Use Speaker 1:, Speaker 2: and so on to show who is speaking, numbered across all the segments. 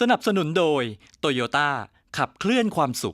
Speaker 1: สนับสนุนโดยโตโยต้าขับเคลื่อนความสุข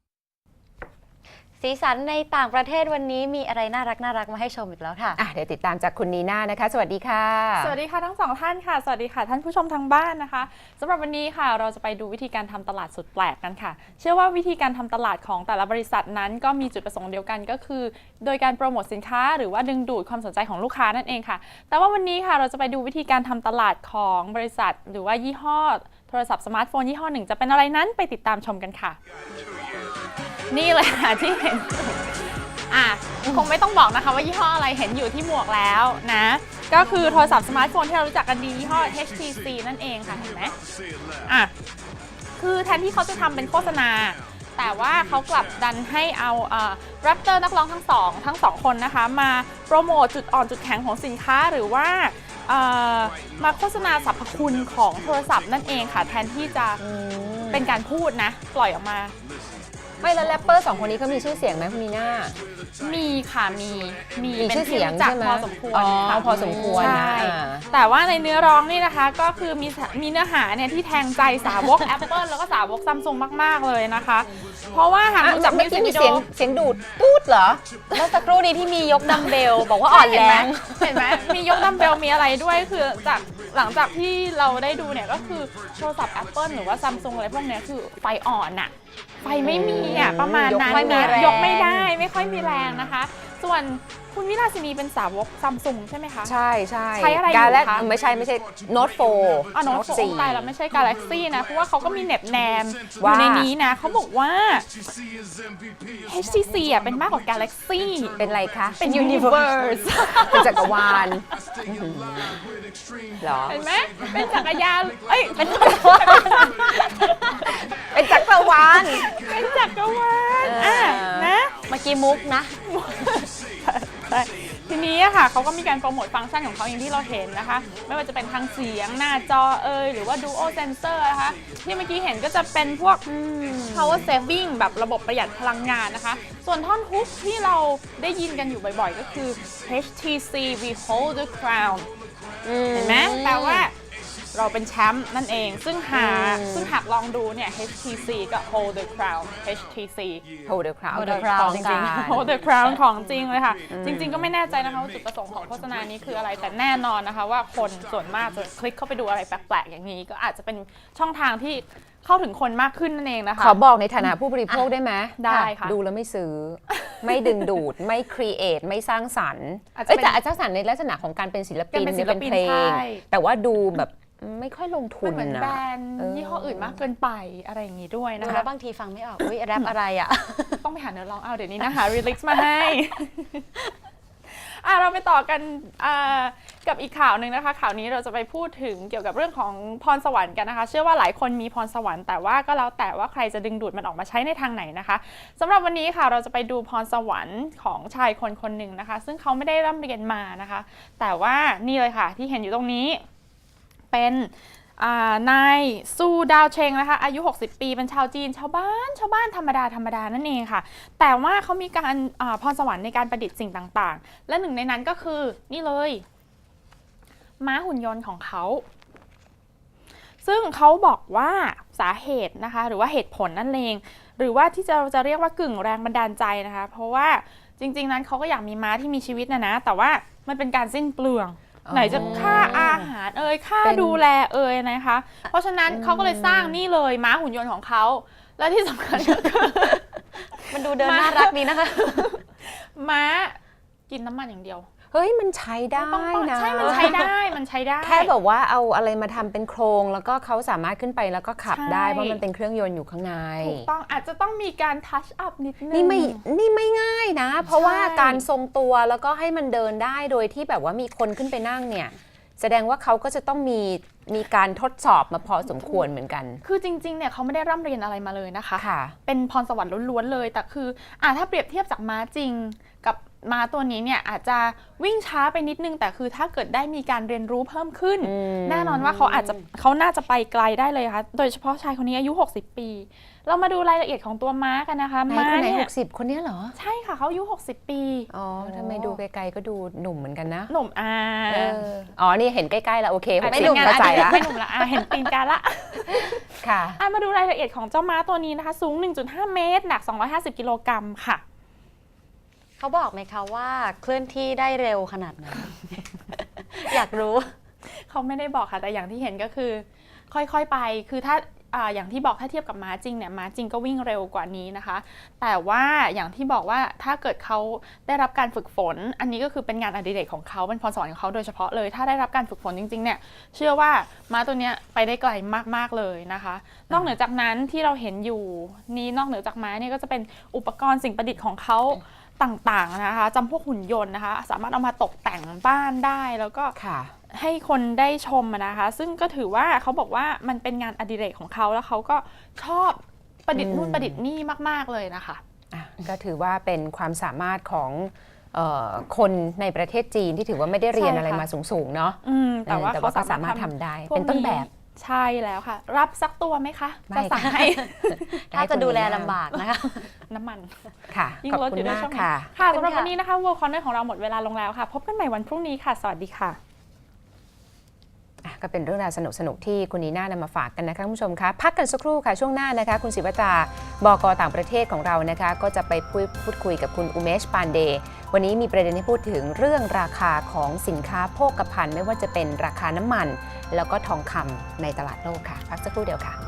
Speaker 2: สีสันในต่างประเทศวันนี้มีอะไรน่ารักมาให้ชมอีกแล้วค่ะ
Speaker 3: เดี๋ยวติดตามจากคุณนีน่านะคะสวัสดีค่ะ
Speaker 4: สวัสดีค่ะทั้งสองท่านค่ะสวัสดีค่ะท่านผู้ชมทางบ้านนะคะสำหรับวันนี้ค่ะเราจะไปดูวิธีการทำตลาดสุดแปลกกันค่ะเชื่อว่าวิธีการทำตลาดของแต่ละบริษัทนั้นก็มีจุดประสงค์เดียวกันก็คือโดยการโปรโมทสินค้าหรือว่าดึงดูดความสนใจของลูกค้านั่นเองค่ะแต่ว่าวันนี้ค่ะเราจะไปดูวิธีการทำตลาดของบริษัทหรือว่ายี่ห้อโทรศัพท์สมาร์ทโฟนยี่ห้อหนึ่งจะเป็นอะไรนั้นไปติดตามชมกันค่ะนี่เลยค่ะที่เห็นคงไม่ต้องบอกนะคะว่ายี่ห้ออะไรเห็นอยู่ที่หมวกแล้วนะก็คือโทรศัพท์สมาร์ทโฟนที่เรารู้จักกันดียี่ห้อ HTC นั่นเองค่ะเห็นไหมคือแทนที่เขาจะทำเป็นโฆษณาแต่ว่าเขากลับดันให้เอาแรปเตอร์นักร้องทั้งสองคนนะคะมาโปรโมทจุดอ่อนจุดแข็งของสินค้าหรือว่ามาโฆษณาสรรพคุณของโทรศัพท์นั่นเองค่ะแทนที่จะเป็นการพูดนะปล่อยออกมา
Speaker 3: ไม่แล้วแรปเปอร์2คนนี้เขามีชื่อเสียงไหมคุณนีน่า
Speaker 4: มีค่ะมี
Speaker 3: ชื่อเสียงใช่ไหม
Speaker 4: พอสมควรค่ะ
Speaker 3: พอสมควร
Speaker 4: ใช่แต่ว่าในเนื้อร้องนี่นะคะก็คือมีเนื้อหาเนี่ยที่แทงใจสาวก Apple แล้วก็สาวก Samsung มากๆเลยนะคะเพราะว่าหากดูจากมิวสิกวิดีโอ
Speaker 3: เสียงดูดตูดเหรอ
Speaker 2: เมื่อสักครู่นี้ที่มียกดัมเบลบอกว่าอ่อนแรง
Speaker 4: เห็นไหมมียกดัมเบลมีอะไรด้วยคือจากหลังจากที่เราได้ดูเนี่ยก็คือโทรศัพท์ Apple หรือว่า Samsung อะไรพวกนี้คือไฟอ่อนอะไฟไม่มีประมาณนั้นยกไม่ได้ไม่ค่อยมีแรงนะคะส่วนคุณวิลาสินีเป็นสาวกซัมซุงใช่ไหมคะ
Speaker 3: ใช่
Speaker 4: ใช้อะไรอยู่คะ
Speaker 3: ไม่ใใช่โน้ตโฟร์
Speaker 4: โน้ต4ตายแล้วไม่ใช่ Galaxy นะเพราะว่าเขาก็มีเน็บแนมอยู่ในนี้นะเขาบอกว่า HTC เป็นมากกว่า Galaxy
Speaker 3: เป็นอะไรคะ
Speaker 4: เป็น Universe
Speaker 3: เป็นจักรวาลหรอ
Speaker 4: เห็นไหมเป็นจักรยานเป็นจัก
Speaker 3: รวาล
Speaker 4: เป็นจักรวาลนะ
Speaker 2: เมื่อกี้มุกนะ
Speaker 4: ทีนี้ค่ะเขาก็มีการโปรโมทฟังก์ชันของเขาอย่างที่เราเห็นนะคะไม่ว่าจะเป็นทางเสียงหน้าจอหรือว่า Dual Sensor นะคะที่เมื่อกี้เห็นก็จะเป็นพวก Power Saving แบบระบบประหยัดพลังงานนะคะส่วนท่อนฮุกที่เราได้ยินกันอยู่บ่อยๆก็คือ HTC We Hold the Crown เห็นไหมแปลว่าเราเป็นแชมป์นั่นเองซึ่งหากลองดูเนี่ย HTC ก็ Hold the Crown HTC
Speaker 3: Hold the Crown
Speaker 4: ของจริง Hold the Crown ของจริงเลยค่ะจริงๆก็ไม่แน่ใจนะคะว่าจุดประสงค์ของโฆษณานี้คืออะไรแต่แน่นอนนะคะว่าคนส่วนมากจะคลิกเข้าไปดูอะไรแปลกๆอย่างนี้ก็อาจจะเป็นช่องทางที่เข้าถึงคนมากขึ้นนั่นเองนะคะ
Speaker 3: ขอบอกในฐานะผู้บริโภคได้ไหม
Speaker 4: ได้ค่ะ
Speaker 3: ดูแล้วไม่ซื้อไม่ดึงดูดไม่ครีเอทไม่สร้างสรรค์แต่สร้างสรรค์ในลักษณะของการเป็นศิลปินเป็นเพลงแต่ว่าดูแบบไม่ค่อยลงทุนนะ
Speaker 4: เหมือนแบรนด์ยี่ห้ออื่นมากเกินไปอะไรอย่างนี้ด้วยนะคะ
Speaker 2: แล้วบางทีฟังไม่ออกแรปอะไรอ่ะ
Speaker 4: ต้องไปหาเนื้อร้องเดี๋ยวนี้นะหารีลิกซ์มาให้เราไปต่อกันกับอีกข่าวหนึ่งนะคะข่าวนี้เราจะไปพูดถึงเกี่ยวกับเรื่องของพรสวรรค์กันนะคะเชื่อว่าหลายคนมีพรสวรรค์แต่ว่าก็แล้วแต่ว่าใครจะดึงดูดมันออกมาใช้ในทางไหนนะคะสำหรับวันนี้ค่ะเราจะไปดูพรสวรรค์ของชายคนหนึ่งนะคะซึ่งเขาไม่ได้ร่ำเรียนมานะคะแต่ว่านี่เลยค่ะที่เห็นอยู่ตรงนี้เป็นนายซูดาวเชงนะคะอายุ60ปีเป็นชาวจีนชาวบ้านธรรมดานั่นเองค่ะแต่ว่าเขามีการพรสวรรค์ในการประดิษฐ์สิ่งต่างๆและหนึ่งในนั้นก็คือนี่เลยม้าหุ่นยนต์ของเขาซึ่งเขาบอกว่าสาเหตุนะคะหรือว่าเหตุผลนั่นเองหรือว่าที่จะเรียกว่ากึ่งแรงบันดาลใจนะคะเพราะว่าจริงๆนั้นเขาก็อยากมีม้าที่มีชีวิตนะแต่ว่ามันเป็นการสิ้นเปลืองไหนจะค่าอาหารค่าดูแลนะคะเพราะฉะนั้นเขาก็เลยสร้างนี่เลยม้าหุ่นยนต์ของเขาและที่สำคัญก็คือ
Speaker 2: มันดูเดินน่ารักดีนะคะ
Speaker 4: ม้ากินน้ำมันอย่างเดียว
Speaker 3: เฮ้ยมันใช้ได้นะ
Speaker 4: ใช่มันใช้ได้
Speaker 3: แค่แบบว่าเอาอะไรมาทำเป็นโครงแล้วก็เขาสามารถขึ้นไปแล้วก็ขับได้เพราะมันเป็นเครื่องยนต์อยู่ข้างใน
Speaker 4: ถูกต้องอาจจะต้องมีการทัชอัพนิดนึง
Speaker 3: นี่ไม่ง่ายนะเพราะว่าการทรงตัวแล้วก็ให้มันเดินได้โดยที่แบบว่ามีคนขึ้นไปนั่งเนี่ยแสดงว่าเขาก็จะต้องมีการทดสอบมาพอสมควรเหมือนกัน
Speaker 4: คือจริงๆเนี่ยเขาไม่ได้ร่ำเรียนอะไรมาเลยนะคะ
Speaker 3: ค่ะ
Speaker 4: เป็นพรสวรรค์ล้วนๆเลยแต่คือถ้าเปรียบเทียบจากม้าจริงกับม้าตัวนี้เนี่ยอาจจะวิ่งช้าไปนิดนึงแต่คือถ้าเกิดได้มีการเรียนรู้เพิ่มขึ้นแน่นอนว่าเขาน่าจะไปไกลได้เลยค่ะโดยเฉพาะชายคนนี้อายุ60ปีเรามาดูรายละเอียดของตัวม้ากันนะคะ
Speaker 3: ไหน
Speaker 4: ม้า
Speaker 3: คนไหน
Speaker 4: เนี่ย
Speaker 3: 60 คนเนี้ยเหรอ
Speaker 4: ใช่ค่ะเขาอายุ60 ปี
Speaker 3: อ๋อทำไมดูไกลๆก็ดูหนุ่มเหมือนกันนะ
Speaker 4: หนุ่ม
Speaker 3: เอออ๋อ นี่เห็นใกล้ๆแล้วโอเค
Speaker 4: อาจ
Speaker 3: ไม่
Speaker 4: จะ
Speaker 3: หนุ่มเข้าใจละ
Speaker 4: ไม่หนุ่มละเห็นตีนกาละ
Speaker 3: ค่ะ
Speaker 4: มาดูรายละเอียดของเจ้าม้าตัวนี้นะคะ สูง 1.5 เมตร หนัก 250 กิโลกรัมค่ะ
Speaker 2: เขาบอกไหมคะว่าเคลื่อนที่ได้เร็วขนาดไหน อยากรู้
Speaker 4: เขาไม่ได้บอกค่ะแต่อย่างที่เห็นก็คือค่อยๆไปคือถ้าอย่างที่บอกถ้าเทียบกับม้าจริงเนี่ยม้าจริงก็วิ่งเร็วกว่านี้นะคะ แต่ว่าอย่างที่บอกว่าถ้าเกิดเขาได้รับการฝึกฝน อันนี้ก็คือเป็นงานอดิเรกของเขาเป็นพรสวรรค์ของเขาโดยเฉพาะเลยถ้าได้รับการฝึกฝนจริงๆเนี่ยเชื่อว่าม้าตัวเนี้ยไปได้ไกลมากๆเลยนะคะ นอกเหนือจากนั้นที่เราเห็นอยู่นี้นอกเหนือจากม้าเนี่ยก็จะเป็นอุปกรณ์สิ่งประดิษฐ์ของเขาต่างๆนะคะจำพวกหุ่นยนต์นะคะสามารถเอามาตกแต่งบ้านได้แล้วก็
Speaker 3: ค่ะ
Speaker 4: ให้คนได้ชมนะคะ ซึ่งก็ถือว่าเขาบอกว่ามันเป็นงานอดิเรกของเขาแล้วเขาก็ชอบประดิษฐ์นู่นประดิษฐ์นี่มากๆเลยนะคะ
Speaker 3: ก็ถือว่าเป็นความสามารถของคนในประเทศจีนที่ถือว่าไม่ได้เรียน
Speaker 4: ใช่ค่ะ
Speaker 3: อะไรมาสูงๆเนาะ
Speaker 4: แต่ว่า
Speaker 3: แต่
Speaker 4: เขา
Speaker 3: ว่าก็สามารถทำได้
Speaker 4: พวก
Speaker 3: เป็นต้นแบบ
Speaker 4: ใช่แล้วค่ะ รับสักตัวไหมคะ
Speaker 3: ไม่
Speaker 4: จะสั่ง
Speaker 3: ค่ะ
Speaker 4: ให้
Speaker 2: ถ้าจะดูแลลำบากนะคะ
Speaker 4: น้ำมัน
Speaker 3: ค่ะ
Speaker 4: ยิ่ง
Speaker 3: ขอบ
Speaker 4: ลด
Speaker 3: คุ
Speaker 4: อยู่
Speaker 3: ณ
Speaker 4: ด้วย
Speaker 3: มาก
Speaker 4: ช่วงนี้
Speaker 3: ค่ะ
Speaker 4: ค่ะสำหรับ
Speaker 2: ขอบคุณค่ะ
Speaker 4: วันนี้นะคะ World Corner ของเราหมดเวลาลงแล้วค่ะ พบกันใหม่วันพรุ่งนี้ค่ะ สวัสดีค่ะ
Speaker 3: ก็เป็นเรื่องราวสนุกๆที่คุณนีน่านำมาฝากกันนะคะคุณผู้ชมคะพักกันสักครู่ค่ะช่วงหน้านะคะคุณศิวจาบก.ต่างประเทศของเรานะคะก็จะไปพูดคุยกับคุณอุเมชปานเดย์วันนี้มีประเด็นให้พูดถึงเรื่องราคาของสินค้าโภคภัณฑ์ไม่ว่าจะเป็นราคาน้ำมัน แล้วก็ทองคำในตลาดโลกค่ะพักสักครู่เดียวค่ะ